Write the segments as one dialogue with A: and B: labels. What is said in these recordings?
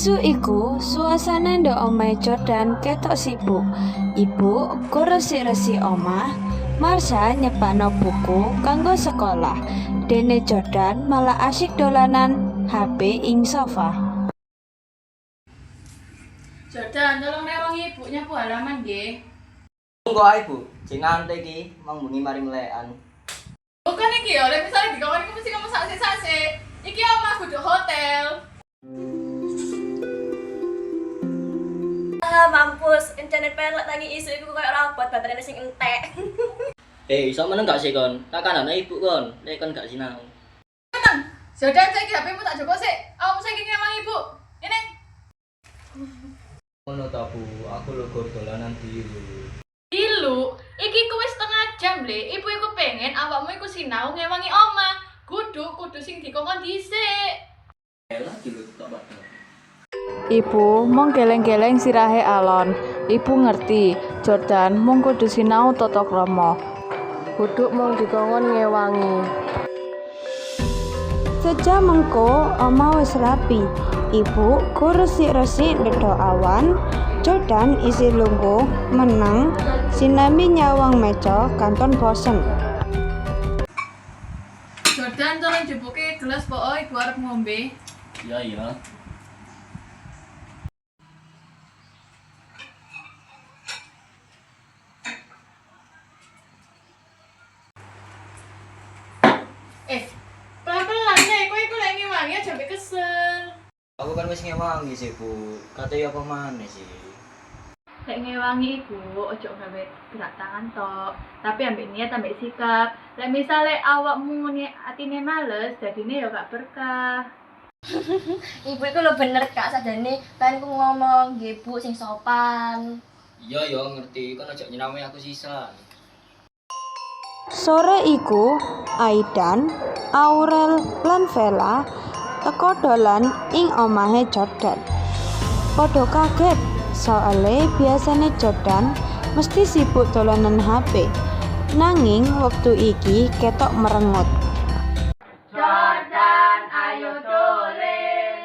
A: Wektu iku suasana ndok omahe Jordan ketok sibuk. Ibu uga resik-resik omah. Marsha nyepakno buku kanggo sekolah. Dene Jordan malah asyik dolanan HP ing sofa.
B: Jordan, tolong rewangi ibu nyapu halaman nggih.
C: Monggo ae, Bu. Sing nganti iki mong bengi mari melekan.
B: Bukan iki ya, lek misale dikongkon iku mesti kamu sasik-sasik. Iki omah kudu hotel.
D: Mampus, internet pelek tangi isu iku koyo robot baterainya sing entek.
C: Iso meneng gak sih kon? Tak kanane ibu kon, nek kon gak sinau.
B: Tenang. Jordan, saiki HP-mu tak joko sik. Awakmu saiki ngewangi ibu. Ini.
C: Ngono ta, Bu. Aku lho gur dolanan dilu.
B: Dilu, iki ku wis setengah jam le. Ibu iku pengen awakmu iku sinau ngewangi omah. Kudu sing dikongkon dhisik.
C: Elah dilu tak padha.
A: Ibu mung geleng-geleng sirahe alon. Ibu ngerti, Jordan mung kudu sinau tata krama. Kudu mung dikongkon ngewangi. Sejam mengko omah wis rapi. Ibu go resik-resik ndedok awan. Jordan isi lungguh meneng sinambi nyawang meja kanton bosen.
B: Jordan, tolong jebuke gelas po, ibu arep ngombe.
C: Iya.
B: Pelan-pelan ya, kowe iku lek ngewangi aja sampe kesel.
C: Aku kan wis ngewangi sih, Bu. Kate apa maneh sih?
B: Lek ngewangi iku ojo gawe gerak tangan tok, tapi ambek niat ambek sikap. Lek misale awakmu ngene atine males, dadine ya gak berkah.
D: Ibu iku lho bener Kak, sadane kan ku ngomong nggih Bu sing sopan.
C: Iya ngerti, kan aja nyinami aku sisan.
A: Sore iku, Aidan, Aurel, lan Vela teko dolan ing omahe Jordan. Padha kaget, soale biasane Jordan mesti sibuk dolanan HP. Nanging wektu iki ketok merengut.
B: Jordan, ayo dolen.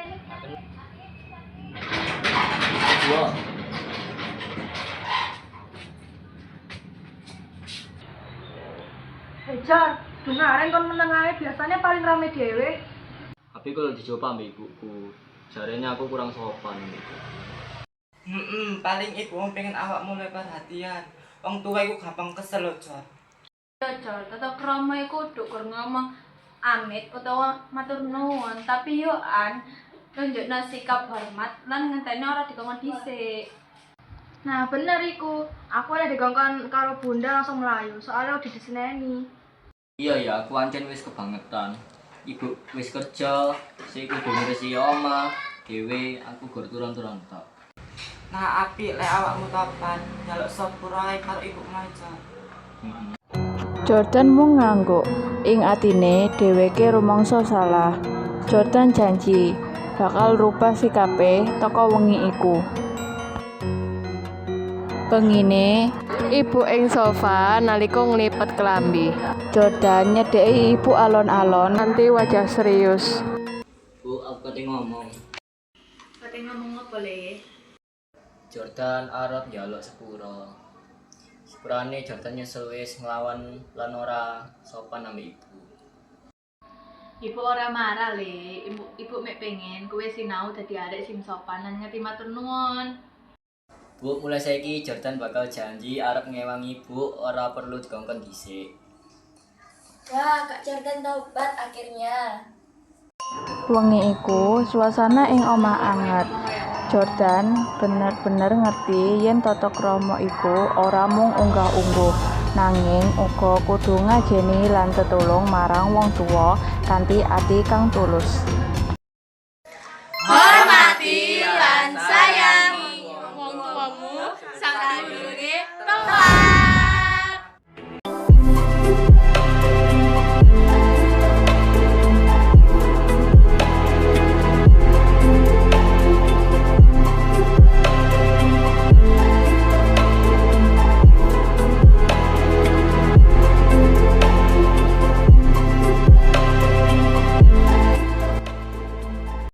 C: Iya.
E: Jar, dungaren kon meneng ae biasanya paling rame dhewe.
C: Tapi kalau dicoba ambek ibuku, jarene aku kurang sopan gitu.
F: Paling iku wong pengen awakmu luwih perhatian. Wong tuwa iku gampang kesel lho, Jor.
B: Ya Jor, tata krama iku kudu kur ngomong amit utawa matur nuwun, tapi yo nunjukna sikap hormat lan ngenteni ora dikongkon dhisik.
E: Nah, bener iku. Aku oleh digongkon karo Bunda langsung melayu, soalnya udah diseneni.
C: Iya, aku ancen wis kebangetan. Ibu wis kerja, sik kudu ngurisi omah, dhewe aku gur turun-turun tok.
F: Nah, apik lek awakmu topan, njaluk sepura ae karo ibu aja.
A: Jordan mung ngangguk. Ing atine dheweke rumangsa salah. Jordan janji bakal rubah sikape teko wengi iku. Pengine ibu ing sofa nalika nglipet kelambi. Jordan nyedeki ibu alon-alon nanti wajah serius.
C: Bu, aku kate ngomong.
B: Kate ngomong apa le?
C: Jordan arep njaluk sepura. Sepurane Jordan nyesel wis nglawan lan ora sopan ambek ibu.
B: Ibu ora marah le, ibu mek pengen kowe sinau dadi arek sing sopan lan ngerti matur nuwun.
C: Bu, mulai saiki Jordan bakal janji arep ngewangi ibu, ora perlu dikongkon dhisik.
D: Wah, Kak Jordan taubat akhirnya.
A: Wengi iku suasana ing omah anget. Jordan bener-bener ngerti yen tata krama iku ora mung unggah-ungguh, nanging uga kudu ngajeni lan tetulung marang wong tuwa kanthi ati kang tulus.